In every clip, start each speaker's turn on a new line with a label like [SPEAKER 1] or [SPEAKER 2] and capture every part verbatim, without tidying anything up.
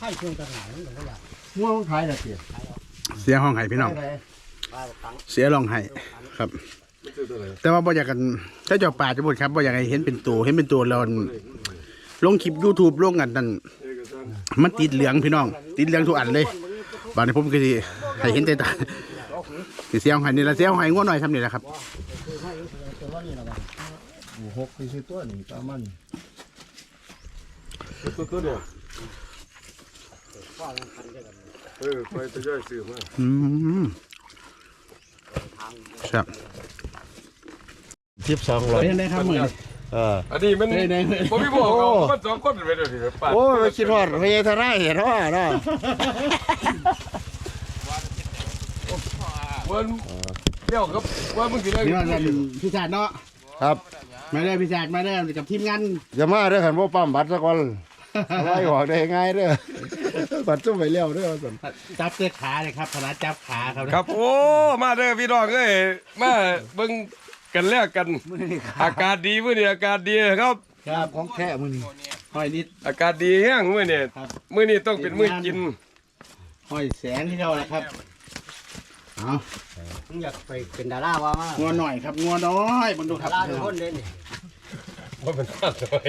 [SPEAKER 1] ข่เชื่อกันหนาหรือเปล่า
[SPEAKER 2] ง่วงขายละเสีย
[SPEAKER 3] เสียห้องไห้พี่น้องเสียรองไห้ครับ แต่ว่าบ่อยากกันถ้าเจ้าป่าจะพูดครับบ่อยากให้เห็นเป็นตัวเห็นเป็นตัวเราลงคลิป YouTube ลงกันนั่นมันติดเหลืองพี่น้องติดเหลืองทุกอันเลยบางทีผมก็สิให้เห็นแต่ตาสิเสียห้องไห้นี่ละเสียห้องไห้ง่วงหน่อยทำนี่แหละครับ
[SPEAKER 2] หกคือตัวนี่ประมาณ
[SPEAKER 4] ตัวตัวเดียวเออไปจะย่อยซื้อมา
[SPEAKER 3] อืมครับ
[SPEAKER 2] ทิปสองร้อย
[SPEAKER 3] เป็นไงครับมือ
[SPEAKER 2] เออ
[SPEAKER 4] อันนี้มันผมไม่บอกเขามันสองคนเป็นเดี๋ยวนี้ป้า
[SPEAKER 2] โอ้ยคิดฮอดพญาธราเห็นว่าเนาะ
[SPEAKER 4] มันเดี๋ยวครับว่ามึงกินอะไร
[SPEAKER 3] นี่ว่ากันพี่ชาติเนาะ
[SPEAKER 2] ครับ
[SPEAKER 3] มาเด้อพี่ชาติมาเด้อกับทีมงาน
[SPEAKER 2] อย่ามาเด้อขันบ่ปั๊มบัตรซะก่อนไล่ออกได้ง่ายเด้อบัตรจุ่มไปเร็วเด้อสัน
[SPEAKER 3] จับเสื้อขาเลยครับพนักจับขาครับ
[SPEAKER 4] ครับโอ้มาเด้อพี่น้องเอ้ยมาเบิ่งกันแลกกันอากาศดีมื้อนี้อากาศดีครับ
[SPEAKER 3] ครับของแท้มือนี้ห้อยนิด
[SPEAKER 4] อากาศดีแห้งมื้อนี้มื้อนี้ต้องเป็นมื้อกิน
[SPEAKER 3] ห้อยแสงที่เราแหละครับเอา
[SPEAKER 1] มึงอยากไปเป็นดาราว่ามา
[SPEAKER 3] งัวหน่อยครับงัวน้อยบังดูค
[SPEAKER 1] ดา
[SPEAKER 3] รับ
[SPEAKER 1] ราทุกคนเด่น
[SPEAKER 4] ว่าเป็นท่าสวย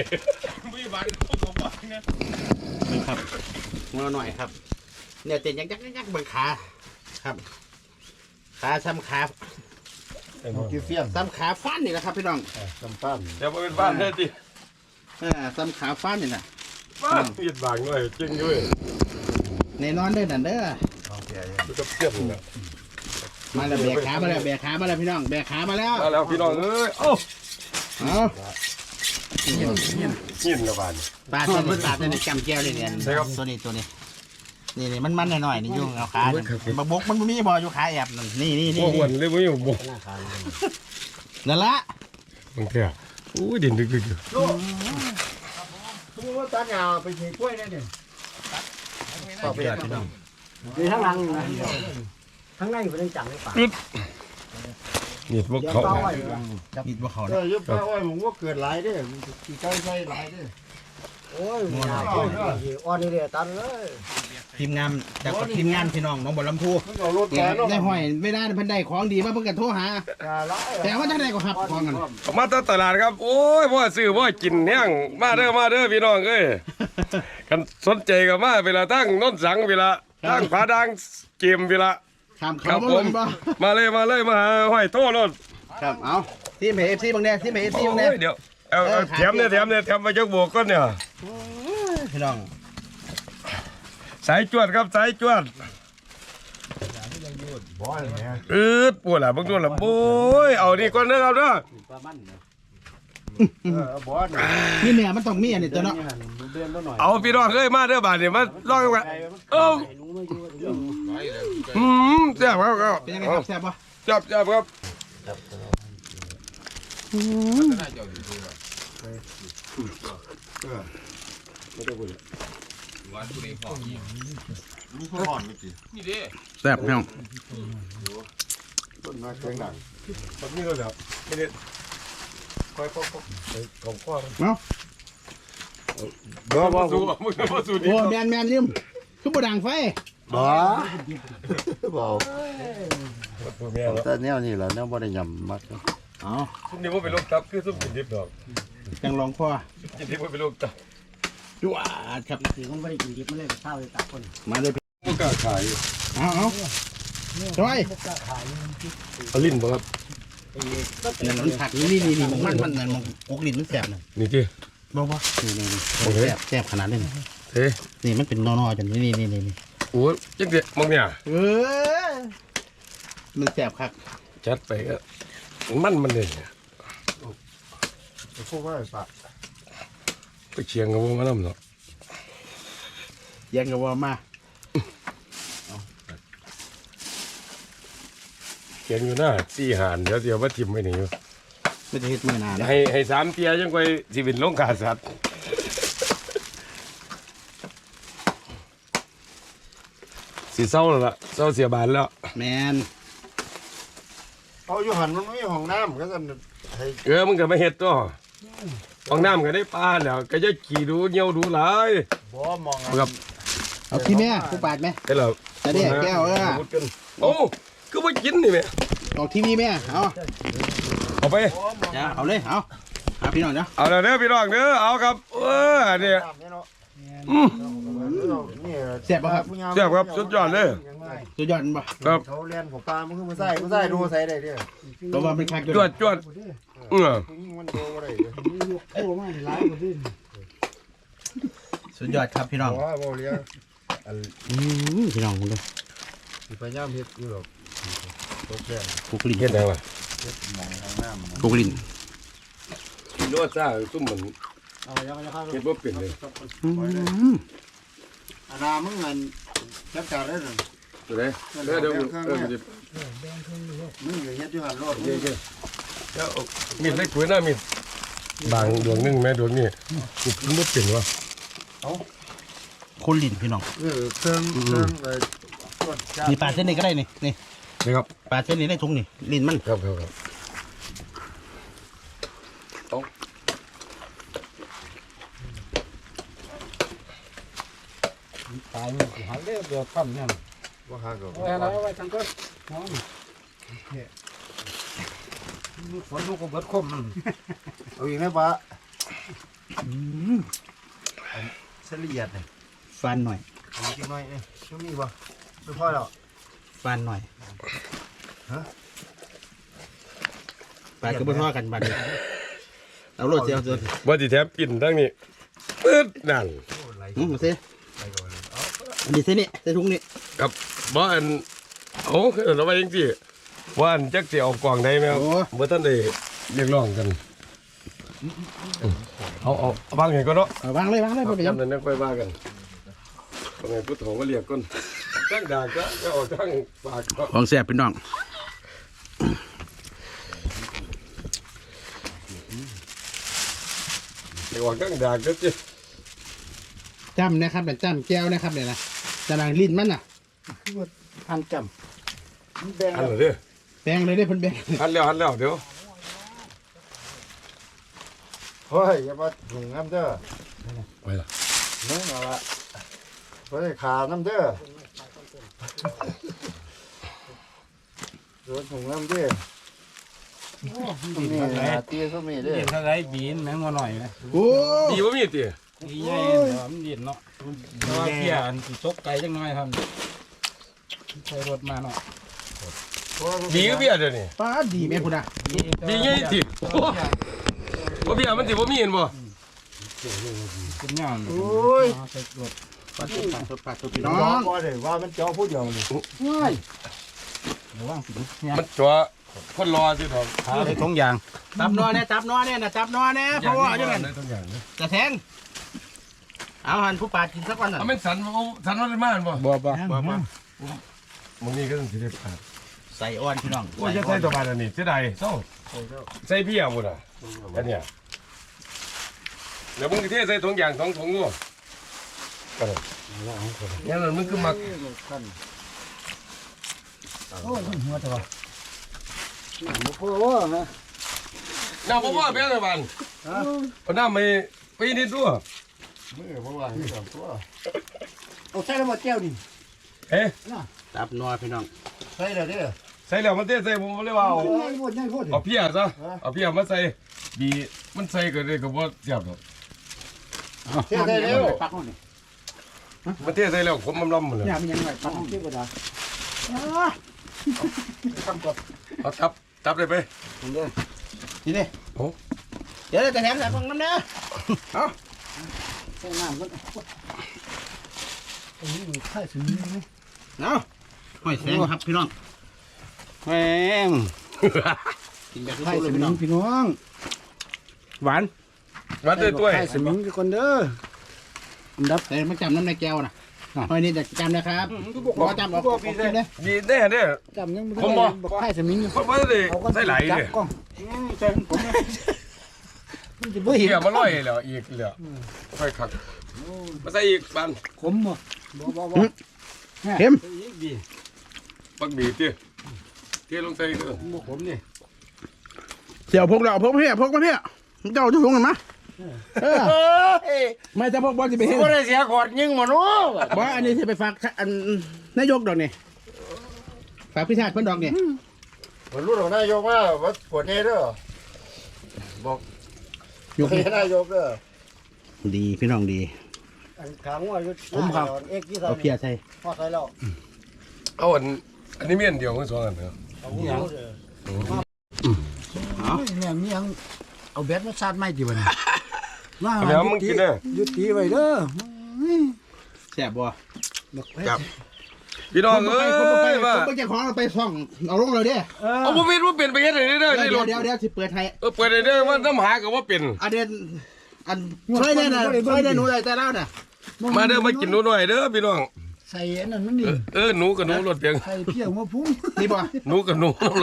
[SPEAKER 3] นี่ครับงัวหน่อยครับเนี่ยเต้นยักยักยักยักเบิ่งขาครับ ขาซ้ำขา
[SPEAKER 2] กินเฟี้ยง
[SPEAKER 3] ซ้ำขาฟันนี่แหละครับพี่น้อง
[SPEAKER 2] จำปั้น
[SPEAKER 4] เดี๋ยวมาเป็นบ้านแท้ติ
[SPEAKER 3] อ่าซ้ำขาฟันนี่แหละ
[SPEAKER 4] บ้านเฮ็ดบางหน่อยจริงด้วย
[SPEAKER 3] แน่นอนเด้อนั่นเด้อ
[SPEAKER 4] มันก็เพี้ยนนะ
[SPEAKER 3] มาแล้วแบกขามาแล้วแบกขามาแล้วพี่น้องแบกขามาแล้ว
[SPEAKER 4] มาแล้วพี่น้องเอ้ยเอ้า
[SPEAKER 3] เอา
[SPEAKER 4] หินละบาน
[SPEAKER 3] ปลาตัวนี้ปลาตัวนี้จำแก้วเลยเนี่ย
[SPEAKER 4] ใช่ครับ
[SPEAKER 3] ตัวนี้ตัวนี้นี่นี่มันมันหน่อยๆนี่ยุ่งเอาขาบกบกมันมีบ่อยู่ขาแอบนั่นนี่นี่นี่
[SPEAKER 4] โอ้อ้วนเลยบ่อยู่บ่
[SPEAKER 3] นั่นละ
[SPEAKER 4] บางเทีอ่ะอู้ดินดึกๆอยู่
[SPEAKER 2] สมมติว่าตัดหญ้าไปฉีดกล้วยได้เนี่ย
[SPEAKER 3] ต่อไปพี่น้อง
[SPEAKER 1] มีทั้งหลังทั้งในเป็นจังเลยป่ะ
[SPEAKER 4] นี่พวก
[SPEAKER 1] เดี๋ยว
[SPEAKER 4] เขา
[SPEAKER 1] เป้าไว้
[SPEAKER 3] อิดบ่เขา
[SPEAKER 2] เออยุบป้าอ้อยผมว่าเกิดหลายเด้อกี่ใกล้ใส่หลายเด้อ
[SPEAKER 1] โอ้ยมีนาคนอ่อนนี่เลยตันเลย
[SPEAKER 3] ทีมงานจากทีมงานพี่น้องน้องบ่ลำพู
[SPEAKER 2] มันเอารถแกเนาะ
[SPEAKER 3] ได้ห้อยไม่ได้เพิ่นได้ของดีมาเพิ่นก็โทรหา
[SPEAKER 2] หลาย
[SPEAKER 3] แต่ว่าจังได๋ก็ครับของกัน
[SPEAKER 4] มาตตลาดครับ โอ้ยพ่อซื้อพ่อกินแห้งมาเด้อมาเด้อพี่น้องเอ้ยกันสนใจก็มาเวลาตั้งโน้นสังเวลาตั้งผาดังเกมเวลา
[SPEAKER 3] ถาม
[SPEAKER 4] ค
[SPEAKER 3] เขา
[SPEAKER 4] รับ
[SPEAKER 3] บ่
[SPEAKER 4] ผ
[SPEAKER 3] ล
[SPEAKER 4] ม
[SPEAKER 3] งบ่
[SPEAKER 4] มาเลยมาเลยมาหาห้อยโทษรถ
[SPEAKER 3] ครับเอาทีม เอ ฟ ซี บางแดทีม เอ ฟ ซี
[SPEAKER 4] โอ้
[SPEAKER 3] บางแด
[SPEAKER 4] ยเดี๋ยวเอาเอาแถมเนี่ยแถมเนี่ยแถมมาจักโบกก่อนเนี่ย
[SPEAKER 3] พี่น้อง
[SPEAKER 4] สายจวดครับสายจวด
[SPEAKER 2] บ่อยเนี่ย
[SPEAKER 4] อืดปวดละบางตัวละโอ้ยเอานี่ก่อนเด้อครับเด้อ
[SPEAKER 2] เออบ่อยเนี่ย
[SPEAKER 3] นี่แม่มันต้องมีอันนี้ตัวเนาะ
[SPEAKER 2] เดือนละหน่อย
[SPEAKER 4] เอาพี่น้องเอ้ยมาเด้อบาดนี่มาลองกันเอ้าอืมแซ่บครับครับ
[SPEAKER 3] เป็นยังไงครับแซ่บบ่
[SPEAKER 4] แซ่บแซ่บครับ
[SPEAKER 3] แซ่บพี่น้อง
[SPEAKER 2] ต้นมาเสียงดัง
[SPEAKER 4] แบบนี้ก็แบบไม่ได้คอยพกพกไปของข้อ
[SPEAKER 3] เนาะ
[SPEAKER 2] บ่บ่
[SPEAKER 4] สู้มึงมาสู้ดี
[SPEAKER 3] โอ้แมนแมนยืมคือบ่ดังไฟ
[SPEAKER 2] บ่บ่
[SPEAKER 4] ตัวแม่แล้ว
[SPEAKER 2] แต่แนวนี้แหละแนวบ่ได้ยำมัก
[SPEAKER 3] อ๋อ
[SPEAKER 4] ซุ่มนี้ว่าเป็นลูกตับคือซุ่มกินดิบดอก
[SPEAKER 3] จังลองพ่อ
[SPEAKER 4] กินดิบว่าเป็นลูกตับ
[SPEAKER 3] จวดครับ
[SPEAKER 1] สีมันไม่ได้กินดิบมันเลยเศร้าเลยตัดคน
[SPEAKER 3] มาเลย
[SPEAKER 4] พวกกล้าขาย
[SPEAKER 3] เอาเอาจอย
[SPEAKER 4] เอาลิ้นบ่ครับ
[SPEAKER 3] นั่นมันผักนี่นี่นี่มันมันนั่นมันกกลิ้นมันแซ่บน่ะ
[SPEAKER 4] นี่ที่
[SPEAKER 3] บ่บ่นี่นี่นี่
[SPEAKER 4] โอเค
[SPEAKER 3] แซ่บแซ่บขนาดนี้
[SPEAKER 4] เฮ้ย
[SPEAKER 3] นี่มันเป็นนอๆจังนี่นี่นี่นี่
[SPEAKER 4] โอ้ยจังเดียมองเนี่ย
[SPEAKER 3] เออมันแซ่บครับ
[SPEAKER 4] จัดไปก็มันมันเลย
[SPEAKER 2] พวกว่าปะ
[SPEAKER 4] ไปเชียงกับวงมาน้ำเนาะ
[SPEAKER 3] ยังก็ว่ามา
[SPEAKER 4] เขียนอยู่หน้าสี่หานเดี๋ยวเดี๋ยวว่าทิมไว้นี่อยู่
[SPEAKER 3] ไม่ได้เฮ็ดมื้อหน้านะ
[SPEAKER 4] ให้ให้สามเตียยังไปสิเป็นลงขาสัตว์สีเศร้าแล้วล่ะเศร้าเสียบานแล้ว
[SPEAKER 3] แมน
[SPEAKER 2] เอาอยู่หันมันไม่มีห้องน้ำก็จะให้
[SPEAKER 4] เออมึงก็ไม่เห็ดตัวห้องน้ำก็ได้ปลาแล้วก็จะขี่ดูเงี้ยวดูหลาย
[SPEAKER 2] บ่มอง
[SPEAKER 4] ครับ
[SPEAKER 3] เอาที่แม่ผู้ปาดไหม
[SPEAKER 4] ได้แล้ว
[SPEAKER 3] จะได้แก้วเออ
[SPEAKER 4] โอ้คือว่ากินนี่แม่
[SPEAKER 3] ออกทีวีแม่เอา
[SPEAKER 4] เอาไป
[SPEAKER 3] จ้าเอาเลยเอาเอาพี่น้องเนาะ
[SPEAKER 4] เอาเด้อพี่น้องเด้อเอาครับเออเนี่ยอืม
[SPEAKER 3] เสียบป่ะครับ
[SPEAKER 4] เสียบครับสุดยอดเลย
[SPEAKER 3] สุดยอดป่ะ
[SPEAKER 4] ครับ
[SPEAKER 2] เขาเรียนของปลามันคือมาใส่มาใส่ดูใส่ได้เด้อ
[SPEAKER 3] ตัวว่าเป็นคัก
[SPEAKER 4] จวดจวดเออ
[SPEAKER 2] ยิ่งมันโตอะไร
[SPEAKER 1] โอ้มาหลายกว่าที่
[SPEAKER 3] สุดยอดครับพี่น้อง
[SPEAKER 2] ว่าโมเลีย
[SPEAKER 3] อืมพี่น้องคุณดู
[SPEAKER 2] พยายามเฮ็ดอยู่หรอกตกแดง
[SPEAKER 3] ปลูกลิ้น
[SPEAKER 4] เฮ็ดได้ป่ะ
[SPEAKER 2] มองทางน้ำ
[SPEAKER 3] ปลูกลิ้น
[SPEAKER 4] นวดซ่าซุ่มเหมือน
[SPEAKER 1] เอายังยังครับ
[SPEAKER 4] เฮ็ดบ่เป็นเลย
[SPEAKER 3] อืม
[SPEAKER 2] อันนามึงเงินจับจ่ายได้หรือ
[SPEAKER 4] เดี๋ยวเดี๋ยวเดี๋ยวเออมันจะ
[SPEAKER 2] มึงอย่าเฮ็ดอยู่หันรถ
[SPEAKER 4] เดี๋ยวเดี๋ยวเอามีดเล็กกว่าน้ามีดบางดวงหนึงแม่ดวงนี้มันบ่เป็นวะ
[SPEAKER 3] คนลิ้นพี่น้อง
[SPEAKER 2] เออเครื่องเครื่องไปตรวจจับ
[SPEAKER 3] นี่ปาดเส้นนี้ก็ได้นี่นี่
[SPEAKER 4] นี่ครับ
[SPEAKER 3] ปาดเส้นนี้ได้ทุงนี่ลิ้นมัน
[SPEAKER 4] ครับครับครับ
[SPEAKER 1] ตายมันหันเรือเรือปั๊มเนี่ย
[SPEAKER 2] ว่าหาก็
[SPEAKER 1] เอาอะไรเอาไว้ทางก้นน้องฝนลูกก็เบิดคมมัน
[SPEAKER 2] เอาอีกนะปะเฉลี่ยเนี่ย
[SPEAKER 3] ฟันหน่อย
[SPEAKER 2] เอาอีกหน่อยเอ้ยช่วงนี้บ่ไม่พอแล้ว
[SPEAKER 3] ฟันหน่อยปาดก็บ่ทอกันบัดนี้เอาโลดเจียวเจียว
[SPEAKER 4] บ่สิแถมกินทั้งนี้ปึ๊ดนั่น
[SPEAKER 3] อืมมาสิอันนี้เส้นนี้เส้นทุงนี่
[SPEAKER 4] ครับบ่อันโอ้คือเอาไว้จังซี่ว่าอันจักสิเอากล่องได้แม่
[SPEAKER 3] โอ้
[SPEAKER 4] บ่ทันได้เรียกร้องกันเอาเอาเอาบางไงก็เนาะ
[SPEAKER 3] เอาวางเลยวางเลยพ่อไปยัง
[SPEAKER 4] จำนั้นนักไปว่ากันบางไงพุทโธก็เรียกก่อนตั้งด่างก็จะออกตั้งปากก็
[SPEAKER 3] ของแซ่บพี่น้อง
[SPEAKER 4] เดี๋ยวออกตั้งด่างก็จะ
[SPEAKER 3] จ้ำนะครับแต่จ้ำแก้วนะครับเนี่ยนะจะนางลิ้นมันน่ะ
[SPEAKER 1] พันจำแดง
[SPEAKER 4] หันเลยเด้อ
[SPEAKER 3] แปลงเลยได้เพิ่นแบง
[SPEAKER 4] หันแล้วหันแล้วเดี๋ยว
[SPEAKER 2] เฮ้ยอย่ามาถุงน้ำเด้อ
[SPEAKER 4] ไปละ
[SPEAKER 2] มึงเอาละเฮ้ยขาน้ำเด้อโดนถุงน้ำเด้อนี่นะตีส้มนี่เด้อ
[SPEAKER 1] ดินเท่าไรบีนแมงมาหน่อยนะ
[SPEAKER 3] โอ้
[SPEAKER 4] ดีว่ามีตี
[SPEAKER 1] ดีใหญ่เดี๋ยวมันดินเนาะแต่ว่าเพี้ยอันสิซกไก่จังน้อยครับใช้รถมาเนาะ
[SPEAKER 4] ดีก็เบี้ยเดี๋ยวนี้
[SPEAKER 3] ป้าดีแม่คุณอ่ะ
[SPEAKER 4] ดีไงติว่าเบี้ยมันติว่ามีเห็นบ่
[SPEAKER 1] เป็นย่าง
[SPEAKER 2] โอ้ย
[SPEAKER 1] ใส่รถ
[SPEAKER 3] ปาดปาดปาดตัวพี่
[SPEAKER 2] น้
[SPEAKER 3] น้
[SPEAKER 2] อ
[SPEAKER 3] อง ง
[SPEAKER 2] บ่ได้ว่ามันเจ้าผู้เดียวนี่
[SPEAKER 1] ระวังสิเนี่ย
[SPEAKER 4] มันจัวคนรอสิครับ
[SPEAKER 1] ขาได้ทงยาง
[SPEAKER 3] จับนอเนี่ยจับนอเนี่ยนะจับนอเนี่ยเพราะว่าอย่างนั้น
[SPEAKER 4] ได้ทุกอย่างเลย
[SPEAKER 3] จะแทงเอาหันผู้ปาดกินสักวันน่ะ
[SPEAKER 4] เอาเป็นสันเอาสันว่าได้มากบ่
[SPEAKER 1] บ่บ่
[SPEAKER 4] บ่บ่มึงนี่ก็ต้องสิได้ขาด
[SPEAKER 3] ใส่อ่อนพี่น้อง
[SPEAKER 4] ว่าจะใส่ตัวบานอันนี้เสียดายเศร้าใส่เบี้ยบ่น่ะอันเนี้ยเดี๋ยวมึงสิเทใส่ถุงยางสองถุงด้วยก็ได้งั้นมันคือมัก
[SPEAKER 1] โอ้ยหัวจะว่า
[SPEAKER 2] บ่พอว่าฮะ
[SPEAKER 4] น้ำบ่ว่าแม่นเลยบ้านเอาน้ำไปไปนิดด้วย
[SPEAKER 2] มือบ่ว่าให้กับตัว
[SPEAKER 1] เอาใส่แล้วบ่แก้วนี่
[SPEAKER 4] เอ๊ะ
[SPEAKER 3] จับนอพี่น้อง
[SPEAKER 2] ใส่แล้วเด้อ
[SPEAKER 4] ใส่แล้วมันเทใส่ผมบ่เลยว่าเอา
[SPEAKER 1] ใหญ่หมดใหญ่หมด
[SPEAKER 4] เอาเพียซะเอาเพียมาใส่ดีมันใส่ก็ได้ก็บ่เสียบดอก
[SPEAKER 2] เท่ได้เร็ว
[SPEAKER 1] ปักห้องนี่
[SPEAKER 4] มันเทใส่แล้วผมมันล้ำหมดเลย
[SPEAKER 1] เนี่ยมันยังไงปักห้องที่บ่ได้
[SPEAKER 4] เอาตับตับได้ไป
[SPEAKER 3] นี่ดิ
[SPEAKER 4] โอ้
[SPEAKER 3] เดี๋ยวจะแถมใส่ฟังน้ำเนื้อ
[SPEAKER 1] ใส่น้ำมันอันนี้มันไข่สุดนี่
[SPEAKER 3] เนาะหอยแสงครับพี่น้องแหงกินแบบ
[SPEAKER 1] ไข่
[SPEAKER 3] สุด
[SPEAKER 1] ส
[SPEAKER 3] ๆเลยพี่
[SPEAKER 1] มิ
[SPEAKER 3] น้อง ง
[SPEAKER 1] พี่น้องหวาน
[SPEAKER 4] มาด้วยตัว
[SPEAKER 1] ไข่สมิงทุกคนเด้ออันดับ
[SPEAKER 3] แต่มันจำน้ำในแก้วนะหอยนี่จะจำนะครับบอกจำบอกบอกกินเลย
[SPEAKER 4] ดีแน่เด้อ
[SPEAKER 1] จำยังไม่
[SPEAKER 4] ผมบ่
[SPEAKER 1] บอกไข่สมิง
[SPEAKER 4] คนบ่ได้ใส่ไหลายเด้อ
[SPEAKER 1] กล้องใส่ผมมันจะบ่
[SPEAKER 4] เพี
[SPEAKER 1] เห็น
[SPEAKER 4] ยมาลอยแล้วอีกแล้วค่อยคักมาใส่อีกบาน
[SPEAKER 1] ขมบ่บ่บ่บ่
[SPEAKER 3] เข็ม
[SPEAKER 1] อีกดี
[SPEAKER 4] ปักบีติเทลงใส่เด้อ
[SPEAKER 1] บ่ขมนี่
[SPEAKER 3] เสี่ยวพกเราพกมาเพี้ยพกมาเพี้ยเจ้าจะถุงกันมาไม่จะบอกบอลจะไปเห็น
[SPEAKER 2] บ่ได้เสียขอดยิงมาเนาะ
[SPEAKER 3] บอลอันนี้จะไปฝากอันนายกดอกนี่ฝากพิธาเพิ่นดอกนี่
[SPEAKER 2] บ่รู้ดอกนายกว่าว่าปวดนี่เด้อบอก
[SPEAKER 3] ยก
[SPEAKER 2] ให้นายกเด้อ
[SPEAKER 3] ดีพี่น้องดี
[SPEAKER 2] อันขางว่าอยู่ผมครับเอ็กซ์ที่
[SPEAKER 3] เอาเพียใส่
[SPEAKER 2] พอใส่แล้ว
[SPEAKER 4] เอาอันอันนี้เมียนเดียวกันสองอันเหรอ
[SPEAKER 2] เอาหูเด้อเนี่ยมียังเอาแบตมาชาร์จไม่กี่วันว่า
[SPEAKER 4] อันนี้มึงกินเด้อ
[SPEAKER 2] ยุติไว้เด้อ
[SPEAKER 3] แซ่บบ่
[SPEAKER 4] ครับพี่น้องเอ้ย
[SPEAKER 3] คนไป
[SPEAKER 4] ว่า
[SPEAKER 3] คนไปเจ้าของเราไปซ่องเอาลงเลยเด้
[SPEAKER 4] เอาบ่เป็นว่าเป็นไปเฮ็ดให้ได้เด้อ
[SPEAKER 3] เดี๋
[SPEAKER 4] นี่
[SPEAKER 3] ยว
[SPEAKER 4] รถ
[SPEAKER 3] เดี๋ยวเดี๋ยวสิเปิดให้
[SPEAKER 4] เออเปิดได้เด้อว่าน้ำหาก็ว่าเป็น
[SPEAKER 3] อันเด่นอันช่วยแน่น่ะช่วยแน่หนูได้แต่แล้วน่ะ
[SPEAKER 4] มาเด้อมากินหนูหน่อยเด้อพี่น้อง
[SPEAKER 2] ใส่อันนั้นมันนี่
[SPEAKER 4] เออเออหนูกับหนูรถเพียง
[SPEAKER 2] ใส่เพี้ยวมาพุ่ง
[SPEAKER 3] นี่บ่
[SPEAKER 4] หนูกับหนูเลย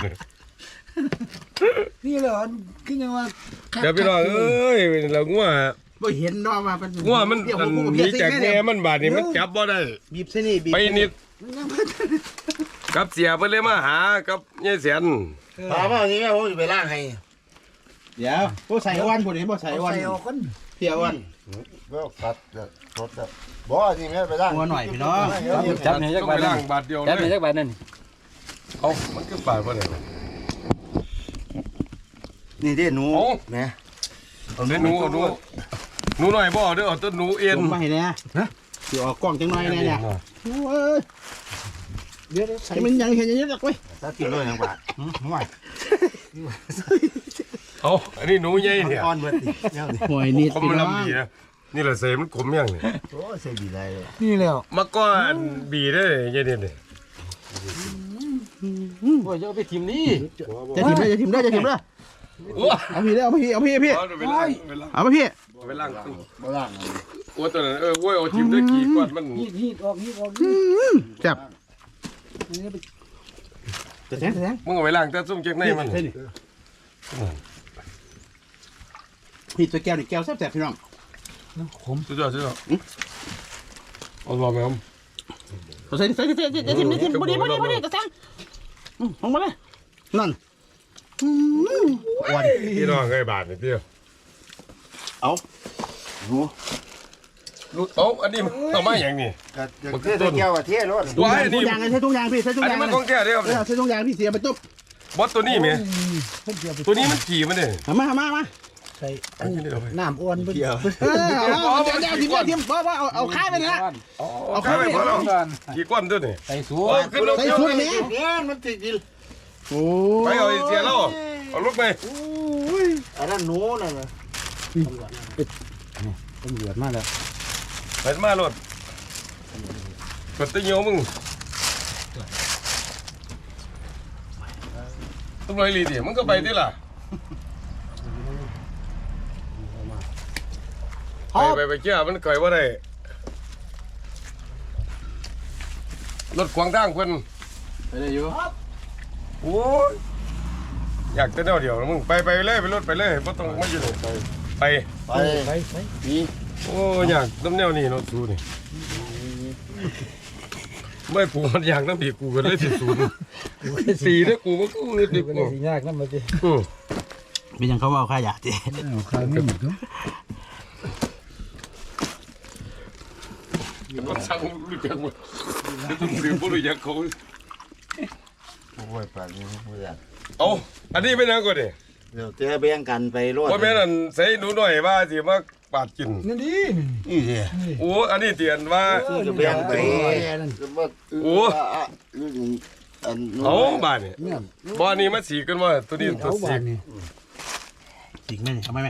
[SPEAKER 2] นี่เหรอคือยังว่า
[SPEAKER 4] เดี๋ยวพี่น้องเอ้ยเรางัว
[SPEAKER 3] บ่เห็นดอกว่ามัน
[SPEAKER 4] งัวมัน
[SPEAKER 3] เดี๋ยว
[SPEAKER 4] อัน
[SPEAKER 3] ผม
[SPEAKER 4] หนีจากแม่มันบาดนี่มันจับบ่ได้
[SPEAKER 3] บีบเส้นนี่บีบ
[SPEAKER 4] ไปนิดกับเสียเพิ่นเลยมาหากับยายเสียน
[SPEAKER 2] ถามว่าอย่างนี้ผมจะไปล้างให้
[SPEAKER 3] เดี๋ยวบ่ใส่อ้วนพุ่นนี่บ่ใส่อ้วน
[SPEAKER 2] ใส่ออกกัน
[SPEAKER 3] เพียอ้วน
[SPEAKER 2] ก็ตัดรถแบบบ่นี่แม่ไปล้าง
[SPEAKER 3] อ้วนหน่อยพี่น้อง
[SPEAKER 1] จับนี่จัก
[SPEAKER 4] ต้อง
[SPEAKER 1] บา
[SPEAKER 4] ไป
[SPEAKER 1] ท
[SPEAKER 4] ล้า
[SPEAKER 1] นั่
[SPEAKER 4] ง
[SPEAKER 1] น
[SPEAKER 4] บาทเดียว
[SPEAKER 1] จับ
[SPEAKER 4] เล
[SPEAKER 1] นี่
[SPEAKER 4] ย
[SPEAKER 1] จักบาทนั่น
[SPEAKER 4] เอามันคือปาดบ่ได้
[SPEAKER 2] นี่ที่หนู
[SPEAKER 4] เอา
[SPEAKER 2] แม่
[SPEAKER 4] เอาหนูเอาหนูหนูหน่อยบ่เด้อเอาแต้นหนูเอ็น
[SPEAKER 3] ลงมาให้แน่นะสิออกกล้องจังหน่อยแน่เนี่ยโอ้ย
[SPEAKER 2] เดี๋ยวใส่
[SPEAKER 3] ให้มันยังเห็นอย่างนี้ดอกเว้ย
[SPEAKER 2] ตัดกินเลยยังบาทห่วย
[SPEAKER 4] เอาอันนี้หนูใหญ่เนี่ย
[SPEAKER 2] อ่อนเบิดนี่เนี่ย
[SPEAKER 3] หวยนิด
[SPEAKER 4] คม
[SPEAKER 3] พี่
[SPEAKER 4] มัน
[SPEAKER 3] น้อง
[SPEAKER 4] ลำบีนะนี่แหละเสมันขมยังนี่
[SPEAKER 2] โอ้ใส่ดีได้เลยนี่แล้ว
[SPEAKER 4] มาก้อนบีได้ยายเด่นนี่
[SPEAKER 1] โอ้ยจะเอาไปทิมนี่
[SPEAKER 3] จะทิมได้จะทิมได้จะทิมได้
[SPEAKER 4] โอ้
[SPEAKER 3] เอาพี่ได้เอาพี่เอาพี่พี่
[SPEAKER 4] เอาไปล้างไปล้าง
[SPEAKER 3] เอาไปพี่
[SPEAKER 4] ไปล้าง
[SPEAKER 2] บ่ล้าง
[SPEAKER 4] โอ้ตัวนั้นเออโว้ยเอาทิมด้วยกี่ก้อนมัน
[SPEAKER 2] ฮีดฮีดออกฮีดออก
[SPEAKER 3] จับจะแทงจะแทง
[SPEAKER 4] มึงเอาไปล้างแต่ซุ่มเก๊กในมัน
[SPEAKER 3] พี่ตัวแก้วนี่แก้วแซ่บๆพี่น้อง
[SPEAKER 4] สุดยอดสุดยอดเอาลองไหมครับ
[SPEAKER 3] ใส่ใส่ใส่จะทิมจะทิมพอดีพอดีพอดีจะแทงลงมาเลยนั่นอ้วน
[SPEAKER 4] พี่น้องไอ้บาทนี่เดียว
[SPEAKER 3] เอา
[SPEAKER 4] รู้เอาอันนี้มันเอามาอย่างนี้
[SPEAKER 2] ก็เทแก้วกับเทรถ
[SPEAKER 4] ว้าย
[SPEAKER 3] ทุ
[SPEAKER 4] นี่
[SPEAKER 3] กอย่างใช้ทุกอย่างพี่ใช้ทุก
[SPEAKER 4] อัน
[SPEAKER 3] อย่า
[SPEAKER 4] นี้
[SPEAKER 3] ง
[SPEAKER 4] มันของแท้เด้อครับ
[SPEAKER 3] เออใช้ทุกอย่างพี่เสียไปตุ๊บบ
[SPEAKER 4] อสตัวนี้ไหมตัวนี้มันขี่มันเนี่ย
[SPEAKER 3] มามามา
[SPEAKER 2] ใส่
[SPEAKER 4] อันนี้เอาไป
[SPEAKER 2] น้ำอ้วนเพิ่น
[SPEAKER 3] เออเอาเดี๋ยวเดี๋ยวทิมทิมว่าว่าเอาเอาค่ายไปนะ
[SPEAKER 4] เอาเข้าไปพอแล้วกี่ก้อนตัวนี่
[SPEAKER 1] ใส่สู
[SPEAKER 4] โอ้ขึ้นรถ
[SPEAKER 3] ใส่
[SPEAKER 4] เดี๋ยว
[SPEAKER 3] ชุดนี้
[SPEAKER 2] เนี่ยมันติดดิ
[SPEAKER 3] โอ้
[SPEAKER 4] ไปเอาไอ้เสียแล้วเอาลูกไป
[SPEAKER 2] อันนั้นหนูนั่นน่ะ
[SPEAKER 1] ตำรวจมาแล้ว
[SPEAKER 4] ไปมารถกดตะเหี่ยวมึงต้องลอยลีดิมึงก็ไปดิล่ะไปไปไปเจ้ามันไก่ว่าได้รถขวางทางเพิ่น
[SPEAKER 1] ไปได้อยู่
[SPEAKER 4] โอ้ยอยากจะเดียวเดียวนะมึงไปไปเลยไปรถไปเลยไม่ต้องไม่อยู่เลยไปไป
[SPEAKER 2] ไปไปไปมี
[SPEAKER 4] โอ้อยากน้ำแนวนี่เนาะสูนี่ไม่ปูมันอยากน้ำผีกูกันเลยที่สูนสีเนี่ยกูมันก็เงืดดิบ
[SPEAKER 1] เป็น
[SPEAKER 4] กู
[SPEAKER 1] สิยากนำบ่ติ
[SPEAKER 4] อือ
[SPEAKER 3] เป็นยังเขาว่าค่ายาจี
[SPEAKER 2] เอาข้าวมีอีกเนาะ
[SPEAKER 4] มันสั่งรู้จักมั้ยจะต้องเรียนผู้รู้จักเขา
[SPEAKER 2] โอ้ยปากนี้บ่อยาก
[SPEAKER 4] เอาอันนี้เป็นยังก่อนดิ
[SPEAKER 2] เดี๋ยวเตะแบ่งกันไปรถ
[SPEAKER 4] ว่าแม่นั่นใส่หนูหน่อยว่าสิมาปาดกิน
[SPEAKER 2] นี่ดินี่สิ
[SPEAKER 4] โอ้อันนี้เตียนว่า
[SPEAKER 2] จะแบ่งไป
[SPEAKER 4] โอ้
[SPEAKER 2] อัน
[SPEAKER 4] เอาบ้านนี่บ้านนี้มันสีกันว่าตัวนี้ตัวสี
[SPEAKER 3] จริงไหมเนี่ยเอาไหมไหม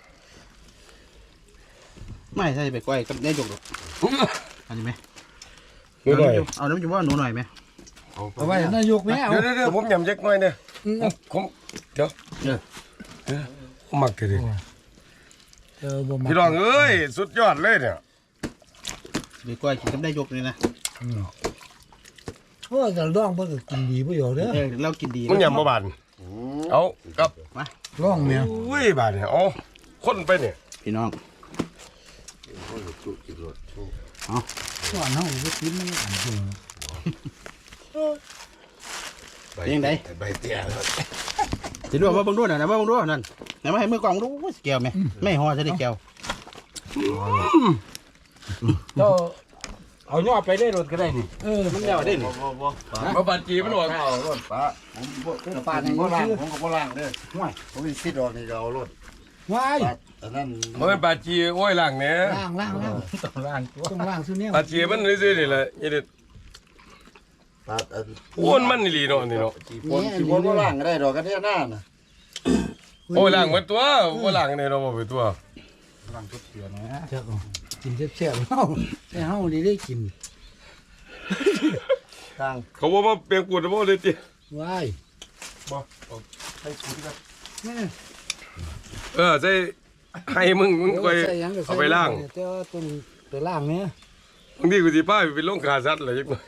[SPEAKER 3] ไม่ใช่ไปก้อยกับได้จกหรอกอันนี้ไหม
[SPEAKER 4] หนูหน่อย
[SPEAKER 3] เอาน้ำจุ่มว่าหนูหน่อยไหม
[SPEAKER 2] เอาไว้นายกแม่เอา
[SPEAKER 4] เดี๋ยวเดี๋ยวผมยำเจ็กหน่อยเนี่ยผมเดี๋ยวเดี๋ยวผมมักเลย
[SPEAKER 2] เออบ่มา
[SPEAKER 4] พี่น้องเอ้ยสุดยอดเลยเนี่ย
[SPEAKER 3] ไปก้อยกินกับได้จกเลยนะ
[SPEAKER 2] โอ้ยแต่ร้องเพิ่นก็กินดีบ่อยู่เด้อ
[SPEAKER 3] เออเรากินดี
[SPEAKER 4] มันยำมาบานเอากับ
[SPEAKER 2] ร้องแม่
[SPEAKER 4] อุ้ยบานเนี่ยเอาคนไปเนี่ย
[SPEAKER 3] พี่น้อง
[SPEAKER 2] ก่อนเฮาบ่กินมันอันเดียว
[SPEAKER 3] ยังไง
[SPEAKER 4] ใบเตี้ย
[SPEAKER 3] จะดูว่าบังด้วยนะว่าบังด้วยนั่นไหนมาให้มือกล่องดูแก้วไหมไม่ห่อจะได้แก้ว
[SPEAKER 1] เจ้าเอาย่อไปได้รถก็ได้นี่
[SPEAKER 2] เออ
[SPEAKER 3] มันแล้วได้นี่
[SPEAKER 4] มาบัดจีมันออก
[SPEAKER 5] เอารถป้าผมบ่ป้านี่บ่ล่างผมก็บ่ล่างเด้อห่วยผมมีสิทธิ์ออกนี่ก็เอารถ
[SPEAKER 2] ว้าย
[SPEAKER 5] ป้าอันนั้น
[SPEAKER 4] มันเป็นบัดจีโอ้ยหลังเนี่ย
[SPEAKER 2] ล่างล่างล่าง
[SPEAKER 1] ต้องล่างตัว
[SPEAKER 2] ต้องล่างซุเนี่ย
[SPEAKER 4] บัดจีมันซื่อๆนี่แหละยี่เด็ด
[SPEAKER 5] ป้าอัน
[SPEAKER 4] โอ้นมันนี่ลีเนาะนี่เนาะ
[SPEAKER 5] สิคนสิคนบ่ล่างก็ได้ดอกกันเนี่ยหน้าน่ะ
[SPEAKER 4] โอ้ยหลังมันตัวโอ้ยหลังเนี่ยเราบ่เป็นตัว
[SPEAKER 1] ล่างทุกเสือนะ
[SPEAKER 2] เจ้ากินแซ่บๆเฮาแต่เฮานี่ได้กิน
[SPEAKER 5] ทาง
[SPEAKER 4] เขาบอกว่าเปลี่ยนกูจะบอกเลยจี
[SPEAKER 2] ว้าย
[SPEAKER 1] ให้คุณก็
[SPEAKER 4] เออใช่ให้มึงมึงไป
[SPEAKER 2] ใส่หยังก็ใส่
[SPEAKER 4] เอาไปล่าง
[SPEAKER 2] แต่ว่าต้นไปล่างเนี่ย
[SPEAKER 4] บางทีกูสิพาไปเป็นลงขาสัตว์อะไรจักหน่อย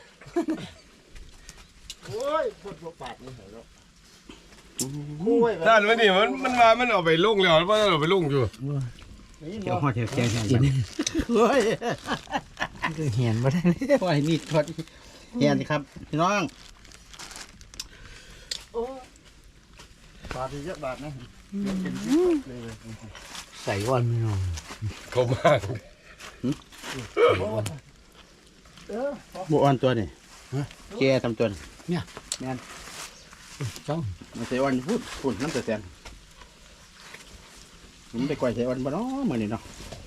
[SPEAKER 5] โอ้ยพดบ่ปาดนี่เหรอโอ้ย
[SPEAKER 4] ด้านมันนี่มันมันมามันเอาไปลงแล้วมันเอาไปลงอยู่
[SPEAKER 3] แก้วห่อแก้วแก้วแก้ว
[SPEAKER 2] กินเฮ้ยมันก็เห็นบ่ได้เลย
[SPEAKER 3] ว่าให้มีทอดเฮียนครับพี่น้อง
[SPEAKER 5] ปาดเยอะบาทนะ
[SPEAKER 2] ใส่วันไม่น้อง
[SPEAKER 4] เขามาก
[SPEAKER 3] บัวอ่อนตัวนี่แกทำตัวนี่
[SPEAKER 2] จ้อง
[SPEAKER 3] มันใส่อ่อนพูดพูดน้ำเสียงมันไปก่อยใส่อ่อนบ่เนาะมื้อนี้เนาะ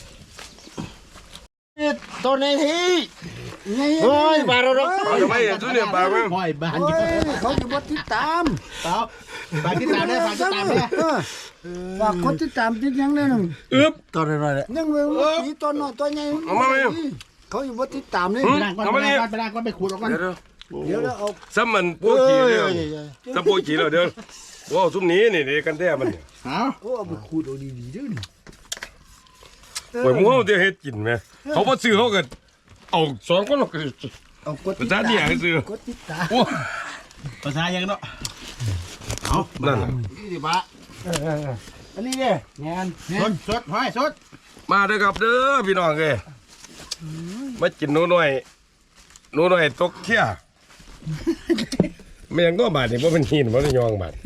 [SPEAKER 5] ตัวนี้ที่
[SPEAKER 2] ไง
[SPEAKER 5] โอ้ยบาดเรา
[SPEAKER 4] เอาทำไมอ่ะทุเรียนปากมั้ง
[SPEAKER 3] ห้อยบ้าน
[SPEAKER 2] โอ้
[SPEAKER 3] อยู่
[SPEAKER 2] ยเขาอยู่บ่ติดตาม
[SPEAKER 3] เปล่าฝากติดตามได้ฝากติดตามได้
[SPEAKER 2] เออฝากกดติดตามติดหยังเลยนึง
[SPEAKER 4] อึ๊บ
[SPEAKER 5] ตัวน้อยๆแหละ
[SPEAKER 2] ยังเว้ยมีตัวน้อยตัวใหญ่
[SPEAKER 4] เอามาไหม
[SPEAKER 2] เขาอยู่บ่ติดตามเลย
[SPEAKER 3] ไปล้างก่อนไปล้างก่อนไปล้างก่อนไปขูดออกก่อน
[SPEAKER 4] เดี๋ยว
[SPEAKER 2] เดี๋ยวเราเอา
[SPEAKER 4] ๆซ้ำมันพวกขี่เดียวซ้ำพวกขี่แล้วเดี๋ยวว้าวซุ้มนี้นี่นี่กันแท้มันเนี่ย
[SPEAKER 3] เอา
[SPEAKER 2] โอ้เอาไปขูดเอาดีๆเด้อนี่
[SPEAKER 4] โอ้ยมึงเอาเดี๋ยวเฮ็ดกินไหมเขาบ่ซื้อเขาก็เอาสองคนหรอก
[SPEAKER 2] เอากด
[SPEAKER 4] ภาษาเนี่ยให้ซื้อก
[SPEAKER 2] ดติดตาม
[SPEAKER 4] โอ้
[SPEAKER 3] ภาษายังเนาะเอา
[SPEAKER 4] นั่นน่ะ
[SPEAKER 5] ยี่สิบบาท
[SPEAKER 2] อันนี้เนี่ยงาน
[SPEAKER 3] สดสดห้อยสด
[SPEAKER 4] มาเด้อครับเด้อพี่น้องเอ้ยมากินหนูหน่อยหนูหน่อยตกเที่ยไม่ยังก็บาดนี่บ่เป็นหินบ่ได้ยองบาด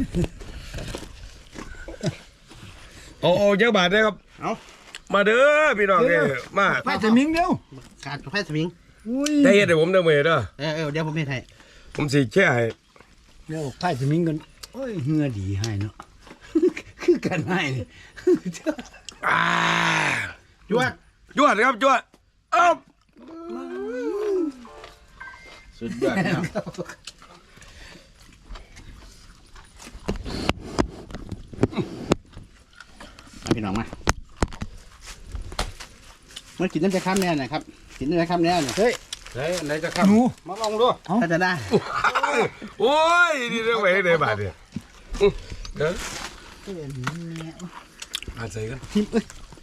[SPEAKER 4] เอาเอาเยอะบาทได้ครับ
[SPEAKER 3] เอา
[SPEAKER 4] มาเด้อพี่น้องเอ้ยมา
[SPEAKER 2] ไปจะมิงเดียว
[SPEAKER 3] ขาดไฟสวิง
[SPEAKER 2] อุ้ย
[SPEAKER 4] ได้เฮ็ดให้ผมเด้อมื้อเด้อ
[SPEAKER 3] เออเออเดี๋ยวผมเฮ็ดให้
[SPEAKER 4] ผมสิแช่ให้
[SPEAKER 2] เดี๋ยวไปจะมิงกันโอ้ยเหงื่อดีให้เนาะ คือกันให้นี่
[SPEAKER 4] อ่า
[SPEAKER 3] จวด
[SPEAKER 4] จวดครับจวดเอ้า
[SPEAKER 3] สุดยอดเนาะมาพี่น้องมามากินน้ำจะข้ามแน่หน่อยครับกินน้ำจะข้ามแน่หน่อย
[SPEAKER 2] เฮ้ย
[SPEAKER 1] ไหนไหนจะขับมาลองดู
[SPEAKER 3] ถ้าจะได้
[SPEAKER 4] โอ้ยนี่เรื่องไว้ได้บาดเนี่ยอื้อเด้ออาใส่กัน
[SPEAKER 2] ทิมเอ้ย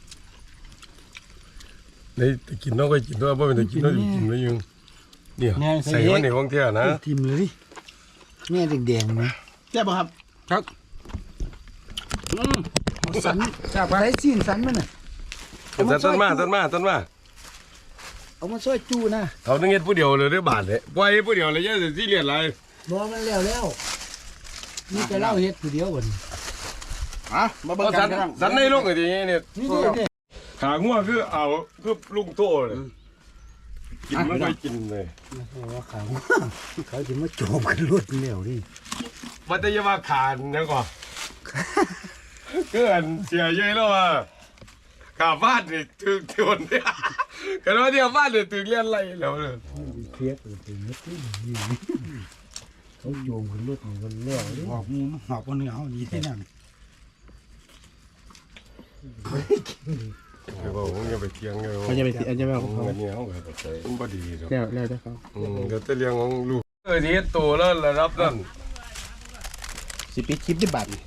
[SPEAKER 4] ได้แต่กินน้องก็กินด้วยบ่เป็นแต่กินน้องกินไม่ยังเนี่ยใส่มันในห้องเที่ยวนะ
[SPEAKER 2] ทิมเลยแม่แดงๆนะ
[SPEAKER 3] แซ่บป่ะครับ
[SPEAKER 1] ครับ
[SPEAKER 3] อืม
[SPEAKER 2] สันจากไรซีนสันมันน่ะ
[SPEAKER 4] ต้นมาต้นมาต้นมา
[SPEAKER 2] เอามาซอยจูนะ
[SPEAKER 4] เขาต้องเฮ็ดผู้เดียวเลยได้บาทเลยปล่อยผู้เดียวเลยเยอะสิซีเรียสอะไร
[SPEAKER 2] บ่มันแล้วแล้วนี่แต่เล่าเฮ็ดผู้เดียวบ่น
[SPEAKER 3] อ่ะมาเบิ่ง
[SPEAKER 4] เอา
[SPEAKER 3] กั
[SPEAKER 4] สั
[SPEAKER 3] น
[SPEAKER 4] น
[SPEAKER 3] พี่น้อง
[SPEAKER 4] สันในลูกอย่างนี้เนี่ย
[SPEAKER 2] นี่เด้อเด้อ
[SPEAKER 4] ขางัวคือเอาคือลุงโตเลยกินไม่ค่อยกินเลย
[SPEAKER 2] ว่าเขาเขาสิมาโจมกันรวดแล้วนี่
[SPEAKER 4] วัตยามาขานนะก่อนคืออันเสียเยอะแล้วว่าขาฟาดนี่ถึงทนเนี่ยกันว่าเดียวฟาดเนี่ยถึงเลี้ยนไรแล้วเลย
[SPEAKER 2] เครียดเป็นนิดนี่เขาโยมกันรวดนี่กันแล้วนี่
[SPEAKER 1] หอบมูหอบคนเหนือเอาดีที่นั่น
[SPEAKER 4] คือว่าผมยังไปเที่ยงเลย
[SPEAKER 3] เขาจะไปเขาจะไปเอา
[SPEAKER 4] เงินเนี่ยเขาแบบใส่มันบ่ดีหรอก
[SPEAKER 3] แล้วแล้วแต่เขา
[SPEAKER 4] อืมก็จะเลี้ยงของลูกเออที่เฮ็ดโตแล้วระดับนั้น
[SPEAKER 3] สิปิดคลิปได้บัตร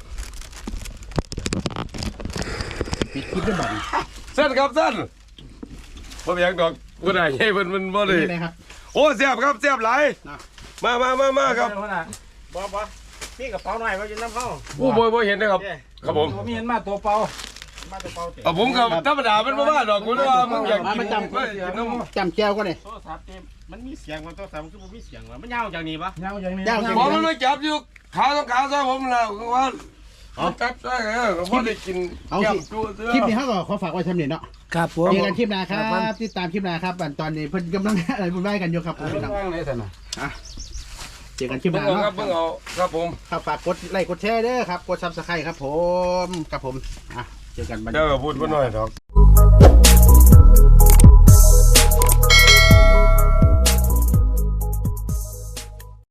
[SPEAKER 3] ปิดคลิปได้บัตร
[SPEAKER 4] เส้นครับเส้นบ่มีหยังดอกบ่ได้ให้เพิ่นมันบ่ได้
[SPEAKER 3] นี่เลยครับ
[SPEAKER 4] โอ้เสียบครับเสียบหลายมามามามาครับ
[SPEAKER 5] บ่บ่พี่กระเป๋าหน่อยมาอยู่น้ำเข้า
[SPEAKER 4] โอ้บ่บ่เห็นนะครับครับผม
[SPEAKER 1] ผมเห็นมาตัวเปล่า
[SPEAKER 5] มาตะเป๋าเตะ
[SPEAKER 4] เอาผมกับธรรมดามันบ่ว่าดอกคุณว่ามึงอยากกินกินน้ำ
[SPEAKER 3] จำแก้วก็เลย
[SPEAKER 5] โทรศัพท์นี่มันมีเสียงมันโทรศัพท์มันคือบ่มีเสียงว่ะมันยาวจากนี้ปะ
[SPEAKER 1] เงาอย่างนี้
[SPEAKER 3] เจ้า
[SPEAKER 4] ผมมันไม่จับอยู่ขาต้องขาซะผมแล้วว่าจับได้เออก็บ่ได้กิน
[SPEAKER 3] เอา
[SPEAKER 4] ย่
[SPEAKER 3] สิ
[SPEAKER 4] ำจู้เสื้อ
[SPEAKER 3] คลิปนี้เขาก็ขอฝากไว้ทำเนี่ยเนาะ
[SPEAKER 2] ครับผม
[SPEAKER 3] เจอกันคลิปหน้าครับติดตามคลิปหน้าครับอันตอนนี้เพิ่นกำลังอะไรบุญไหว้กันอยู่ครับผมพี่น้อง
[SPEAKER 1] ว่างเลยสันนะ
[SPEAKER 3] เจอกันคลิปห
[SPEAKER 4] เบิ่ง
[SPEAKER 3] น้า
[SPEAKER 4] เอา
[SPEAKER 3] เนาะ
[SPEAKER 4] ครับเบิ่งเอาครับผม
[SPEAKER 3] ครับฝากกดไลค์กดแชร์เด้อครับกดซับสไครต์ครับผมกับผมอ่ะเจอกันบัดนี้
[SPEAKER 4] เจ้าก็พูดบ่น้อยดอก